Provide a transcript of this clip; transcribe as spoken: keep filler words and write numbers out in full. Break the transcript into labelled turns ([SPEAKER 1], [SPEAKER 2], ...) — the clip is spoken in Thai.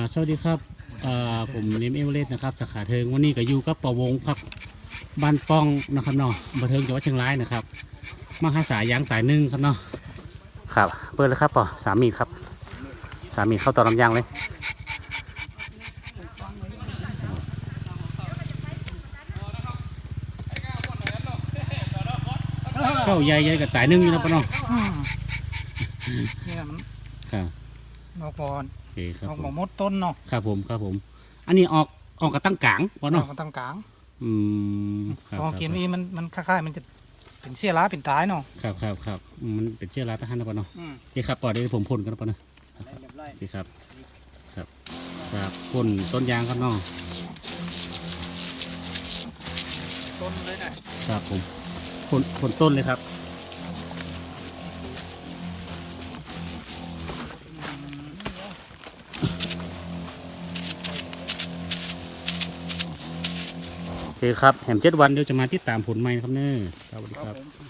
[SPEAKER 1] สวัสดีครับอ่าผมเนมเอเวอเรสต์นะครับสาขาเทิงวันนี้ก็อยู่กับปวงครับบ้านป้องนะครับเนาะบันเทิงจังหวัดเชียงรายนะครับมาหาสายยางสายหนึ่งครับเนาะครับเปิดเลยครับป่อสามีครับสามีเข้าต่อลำยางเลยเข้าใหญ่ใหญ่กับสายหนึ่งอยู่นะป่อเนาะ
[SPEAKER 2] เนี่ยมัน
[SPEAKER 1] ครับ
[SPEAKER 2] นอกก่อน
[SPEAKER 1] โอเคครับ
[SPEAKER 2] นอก
[SPEAKER 1] ผ
[SPEAKER 2] หมอ
[SPEAKER 1] ม
[SPEAKER 2] มดต้นเนาะ
[SPEAKER 1] ครับผมครับผม อันนี้ออกออกกับตั้งกลางป่อเนาะ
[SPEAKER 2] นอกตั้งกลาง
[SPEAKER 1] อืมครับ
[SPEAKER 2] ลองกินนี่มันมันคล้ายๆมันจะเป็นเสี้ยร้าเป็นตายเนาะ
[SPEAKER 1] ครับครับครับอืมมันเป็นเชื้อราทหารนะป่อเนาะ
[SPEAKER 2] อืม
[SPEAKER 1] โอเคครับป่อเดี๋ยวผมพ่นกันนะป่อเนาะ
[SPEAKER 2] เรียบร้อย
[SPEAKER 1] โอเคครับ ครับครับพ่นต้นยางครับน้อง
[SPEAKER 2] ต้นเลยนะครับ
[SPEAKER 1] ผมพ่นพ่นต้นเลยครับโอเคครับแหมเจ็ดวันเดี๋ยวจะมาติดตามผลใหม่นะครับเน้อสวัสดีครับ